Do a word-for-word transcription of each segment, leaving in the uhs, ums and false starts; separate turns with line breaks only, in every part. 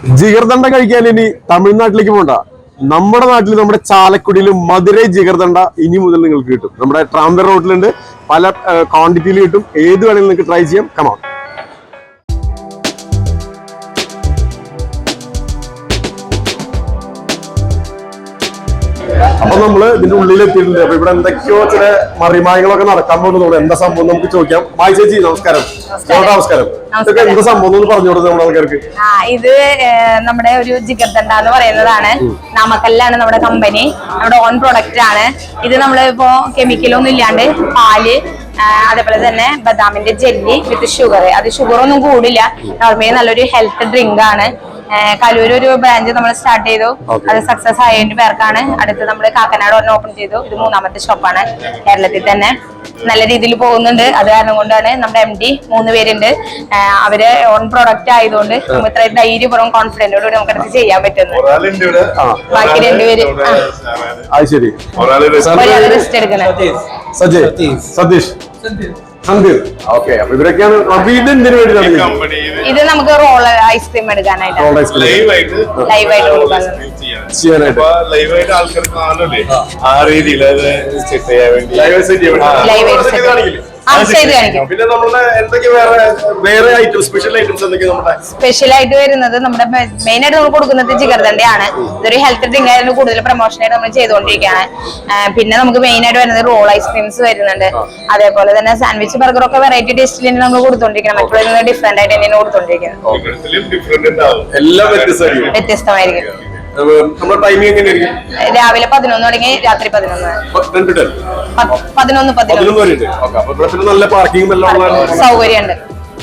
ജിഗർദണ്ഡ കഴിക്കാൻ ഇനി തമിഴ്നാട്ടിലേക്ക് പോകണ്ട. നമ്മുടെ നാട്ടിൽ നമ്മുടെ ചാലക്കുടിയിൽ മധുരൈ ജിഗർദണ്ഡ ഇനി മുതൽ നിങ്ങൾക്ക് കിട്ടും. നമ്മുടെ ട്രാംബർ റോഡിലുണ്ട്, പല ക്വാണ്ടിറ്റിയിൽ കിട്ടും. ഏത് വേണമെങ്കിലും നിങ്ങൾക്ക് ട്രൈ ചെയ്യാം. കമോൺ. അപ്പൊ നമ്മള് ഇതിന്റെ ഉള്ളിൽ എത്തിയിട്ടുണ്ട്. അപ്പൊ ഇവിടെ എന്തൊക്കെയോ ചില മറിമായങ്ങളൊക്കെ നടക്കാൻ പോകുന്നുണ്ട്. എന്താ സംഭവം നമുക്ക് ചോദിക്കാം. മായി ചേച്ചി നമസ്കാരം. നമസ്കാരം. ഇതൊക്കെ എന്താ സംഭവം എന്ന് പറഞ്ഞു കൊടുത്തത് നമ്മുടെ ആൾക്കാർക്ക്?
ഇത് നമ്മുടെ ഒരു ജിഗർദണ്ഡ എന്ന് പറയുന്നതാണ്. നാമക്കല്ലാണ് നമ്മുടെ കമ്പനി, നമ്മുടെ ഓൺ പ്രൊഡക്റ്റ് ആണ് ഇത്. നമ്മള് ഇപ്പോ കെമിക്കലൊന്നും ഇല്ലാണ്ട് പാല്, അതേപോലെ തന്നെ ബദാമിന്റെ ജെല്ലി വിത്ത് ഷുഗർ. അത് ഷുഗർ ഒന്നും കൂടില്ല, നോർമലി നല്ലൊരു ഹെൽത്ത് ഡ്രിങ്ക് ആണ്. കലൂർ ഒരു ബ്രാഞ്ച് നമ്മൾ സ്റ്റാർട്ട് ചെയ്തു, അത് സക്സസ് ആയതിന്റെ പേർക്കാണ്. അടുത്ത് നമ്മൾ കാക്കനാട് ഒരെണ്ണം ഓപ്പൺ ചെയ്തു. ഇത് മൂന്നാമത്തെ ഷോപ്പാണ് കേരളത്തിൽ തന്നെ. നല്ല രീതിയിൽ പോകുന്നുണ്ട്. അത് കാരണം കൊണ്ടാണ് നമ്മുടെ എം ഡി മൂന്ന് പേരുണ്ട്. അവര് ഓൺ പ്രൊഡക്റ്റ് ആയതുകൊണ്ട് നമുക്ക് ഇത്ര ധൈര്യപൂർവ്വം കോൺഫിഡന്റോട് നമുക്ക് അടുത്ത് ചെയ്യാൻ പറ്റുന്നു. ബാക്കി രണ്ടുപേര് ഒരാൾ റെസ്റ്റ് എടുക്കണം.
സതീഷ് ഇവരൊക്കെയാണ്.
ഇത് നമുക്ക് റോൾ ഐസ്ക്രീം എടുക്കാനായിട്ട് ലൈവായിട്ട് കൊടുക്കാൻ.
പിന്നെ നമ്മുടെ എന്തൊക്കെ വേറെ വേറെ ഐറ്റം സ്പെഷ്യൽ ഐറ്റംസ് എന്തൊക്കെയാണ്?
സ്പെഷ്യൽ ആയിട്ട് വരുന്നത് നമ്മുടെ മെയിൻ ആയിട്ട് നമ്മൾ കൊടുക്കുന്നത് ജിഗർദണ്ഡയാണ്. ഇതൊരു ഹെൽത്ത് ഡ്രിങ്ക് ആയിരുന്നു, കൂടുതൽ പ്രൊമോഷൻ ആയിട്ട് നമ്മൾ ചെയ്തുകൊണ്ടിരിക്കുകയാണ്. പിന്നെ നമുക്ക് മെയിൻ ആയിട്ട് വരുന്നത് റോൾ ഐസ്ക്രീംസ് വരുന്നുണ്ട്. അതേപോലെ തന്നെ സാൻഡ്വിച്ച് ബർഗർ ഒക്കെ വെറൈറ്റി ടേസ്റ്റിൽ തന്നെ നമ്മൾ കൊടുത്തോണ്ടിരിക്കണം. മറ്റുള്ള ഡിഫറെന്റ് ആയിട്ട് തന്നെയാണ് കൊടുത്തോണ്ടിരിക്കുന്നത്. വ്യത്യസ്തമായിരിക്കും. രാവിലെ പതിനൊന്ന് തുടങ്ങി രാത്രി പതിനൊന്ന് പതിനൊന്ന് പതിനൊന്ന്
നല്ല പാർക്കിംഗ്
സൗകര്യമുണ്ട്.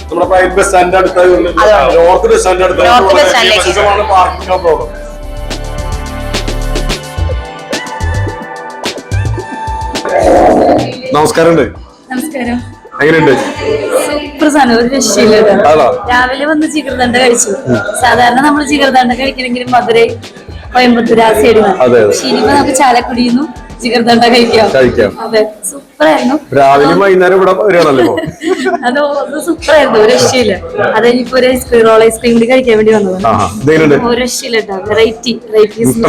നമസ്കാരം.
നമസ്കാരം.
എങ്ങനെയുണ്ട്?
സൂപ്പർ സാധനം, ഒരു രക്ഷയില്ല. രാവിലെ വന്ന് ജിഗർദണ്ഡ കഴിച്ചു. സാധാരണ നമ്മൾ ജിഗർദണ്ഡ കഴിക്കണമെങ്കിൽ മധുരൈ, കോയമ്പത്തൂർ ആ സൈഡിൽ നിന്ന്. പക്ഷെ ഇനിയിപ്പോ നമുക്ക് ചാലക്കുടിയിൽ ജിഗർദണ്ഡ കഴിക്കാം. അതെ, സൂപ്പർ ആയിരുന്നു.
രാവിലെ വൈകുന്നേരം ഇവിടെ വരികയാണല്ലോ.
അത് സൂപ്പർ ആയിരുന്നു, ഒരു രക്ഷയില്ല. അത് ഇനിയിപ്പോ ഒരു ഐസ്ക്രീം റോൾ ഐസ്ക്രീം കൂടി കഴിക്കാൻ വേണ്ടി വന്നതാണ്. ഒരു രക്ഷയില്ല കേട്ടോ. Variety varieties.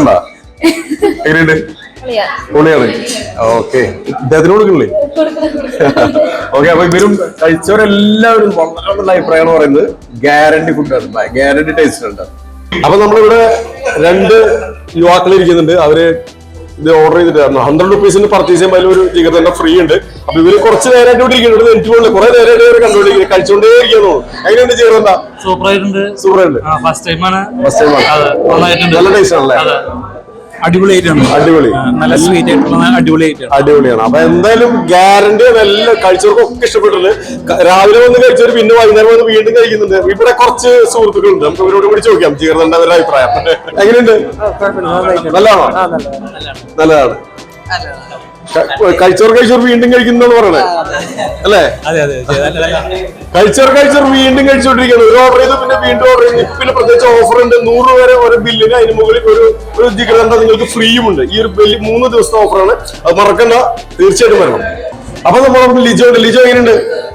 പൊളിയാണ്. ഓക്കെ, ഇദ്ദേഹത്തിന് കൊടുക്കണില്ലേ? ഓക്കെ, അപ്പൊ ഇവരും കഴിച്ചവരെല്ലാവരും വളരെ നല്ല അഭിപ്രായമാണ് പറയുന്നത്. ഗ്യാരണ്ടി ഫുഡാണ്, ഗ്യാരണ്ടി ടേസ്റ്റ് ഉണ്ട്. അപ്പൊ നമ്മളിവിടെ രണ്ട് യുവാക്കൾ ഇരിക്കുന്നുണ്ട്. അവര് ഇത് ഓർഡർ ചെയ്തിട്ടായിരുന്നു. ഹൺഡ്രഡ് റുപ്പീസിന് പർച്ചേസ് ചെയ്യുമ്പോൾ ഒരു ജിഗർദണ്ഡ ഫ്രീ ഉണ്ട്. അപ്പൊ ഇവര് കുറച്ച് നേരമായിട്ട് ഇവിടെ ഇരിക്കുന്നുണ്ട്. എനിക്ക് പോലെ കുറെ നേരമായിട്ട് ഇവർ കണ്ടുകൊണ്ടിരിക്കുന്നത്, കഴിച്ചുകൊണ്ടേ ഇരിക്കുന്നു. എങ്ങനെയുണ്ട് ജിഗർദണ്ഡ?
സൂപ്പർ ആയിട്ടുണ്ട്.
സൂപ്പർ ആയിട്ട്
ഫസ്റ്റ് ടൈമാണ്.
ഫസ്റ്റ് ടൈമാണ്. നല്ല ടേസ്റ്റ് ആണല്ലേ?
അടിപൊളിയായിട്ടാണ്.
അടിപൊളി,
നല്ല സ്വീറ്റ് ആയിട്ടുള്ള അടിപൊളിയായിട്ടാണ്.
അടിപൊളിയാണ്. അപ്പൊ എന്തായാലും ഗ്യാരണ്ടി എല്ലാം കഴിച്ചവർക്കും ഒക്കെ ഇഷ്ടപ്പെട്ടിട്ടുണ്ട്. രാവിലെ വന്ന് കഴിച്ചവർ പിന്നെ വൈകുന്നേരം വന്ന് വീണ്ടും കഴിക്കുന്നുണ്ട്. ഇവിടെ കുറച്ച് സുഹൃത്തുക്കളുണ്ട്, നമുക്ക് ഇവരോട് കൂടി ചോദിക്കാം ജിഗർദണ്ഡ അവരുടെ അഭിപ്രായം. എങ്ങനെയുണ്ട്? നല്ലതാണോ? നല്ലതാണ്. കഴിച്ചവർ കഴിച്ചവർ വീണ്ടും കഴിക്കുന്നതാണ് പറയണേ അല്ലേ? കഴിച്ചവർ കഴിച്ചവർ വീണ്ടും കഴിച്ചോണ്ടിരിക്കുകയാണ്. ഒരു ഓർഡർ ചെയ്ത് പിന്നെ വീണ്ടും ഓർഡർ ചെയ്ത്. പിന്നെ പ്രത്യേകിച്ച് ഓഫർ ഉണ്ട്. നൂറ് രൂപ വരെ ഒരു ബില്ലിന് അതിന് മുകളിൽ ഒരു ഒരു ജിഗർദണ്ഡ നിങ്ങൾക്ക് ഫ്രീയും ഉണ്ട്. ഈ ഒരു വലിയ മൂന്ന് ദിവസത്തെ ഓഫറാണ്. അത് മറക്കണ്ട, തീർച്ചയായിട്ടും വരണം. അപ്പൊ നമ്മൾ ലിജോ ഉണ്ട്. ലിജോ എങ്ങനെയുണ്ട്?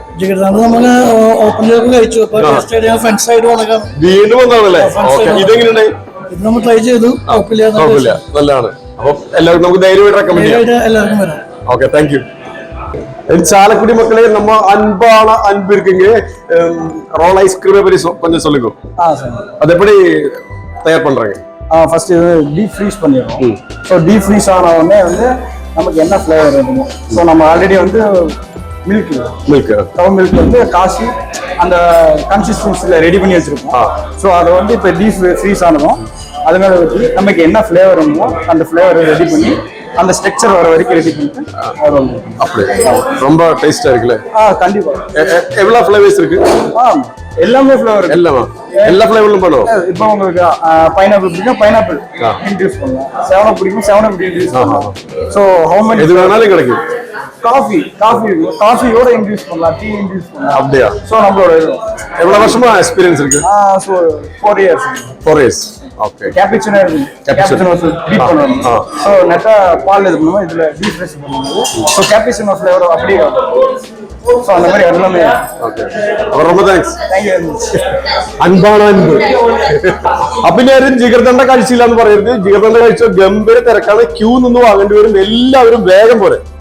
വീണ്ടും വന്നാണല്ലേ? ഇതെങ്ങനെയുണ്ട്?
നമ്മൾ ട്രൈ ചെയ്തു,
നല്ലതാണ്. അപ്പൊ എല്ലാവർക്കും നമുക്ക് ധൈര്യമായിട്ട് റെക്കമെൻഡ് ചെയ്യാം. Okay, thank you. சாலக்குடி மக்களே, நம்ம அன்பான அன்பு இருக்குங்க. ரோல் ஐஸ்கிரீமை பற்றி கொஞ்சம் சொல்லுங்க. அது எப்படி தயார் பண்றாங்க?
ஃபர்ஸ்ட் டீப் ஃப்ரீஸ் பண்ணிடுறோம். ஸோ டீப் ஃப்ரீஸ் ஆன உடனே வந்து நமக்கு என்ன ஃப்ளேவர் இருக்கும். ஸோ நம்ம ஆல்ரெடி வந்து மில்க்
மில்க்
கவ மில்க் வந்து காசி அந்த கன்சிஸ்டன்சியில் ரெடி பண்ணி வச்சிருக்கோம். ஸோ அதை வந்து இப்போ டீப் ஃப்ரீஸ் ஆனதும் அது மேலே வச்சு நமக்கு என்ன ஃப்ளேவர் வேணுமோ அந்த ஃப்ளேவரை ரெடி பண்ணி அந்த ஸ்ட்ரக்சர் வர வரைக்கும் ரெடி பண்ணிட்டு
அப்படி ரொம்ப டேஸ்டா இருக்குல்ல?
ஆ, கண்டிப்பா.
எவ்வளவு ஃப்ளேவர்ஸ் இருக்கு?
ஆ, எல்லாமே ஃப்ளேவர்
எல்லாமே எல்லா ஃப்ளேவர்லும் பண்ணுவோம்.
இப்போ உங்களுக்கு பைனாப்பிள் பிடிக்கும், பைனாப்பிள் இன்ட்ரூஸ் பண்ணலாம். செவன் பிடிக்கும், செவன் அப் இன்ட்ரூஸ் பண்ணலாம். ஸோ ஹவு மெனி
எது வேணாலும் கிடைக்கும்.
காஃபி காஃபி காஃபியோட இன்ட்ரூஸ் பண்ணலாம், டீ இன்ட்ரூஸ் பண்ணலாம்.
அப்படியா?
ஸோ நம்மளோட
எவ்வளவு வருஷமா எக்ஸ்பீரியன்ஸ் இருக்கு?
ஆ, so four years.
Four years. Okay.
Cappuccino இருக்கு. கேப்புச்சினோ டீப் பண்ணணும். ஸோ நெட்டா பால் இது பண்ணுவோம். இதுல டீப் ஃப்ரெஷ் பண்ணுவோம். ஸோ கேப்புச்சினோ ஃப்ளேவர் அப்படியே ஸோ அந்த மாதிரி எல்லாமே
ரொம்ப தேங்க்ஸ்.
தேங்க்யூ.
അൻപാണ് അൻപ്. അപ്പൊ ഇനി ആരും ജിഗർദണ്ഡ കഴിച്ചില്ല എന്ന് പറയരുത്. ജിഗർദണ്ഡ കഴിച്ച ഗംഭീര തിരക്കാണ്. ക്യൂ നിന്ന് വാങ്ങേണ്ടി വരും. എല്ലാവരും വേഗം പോലെ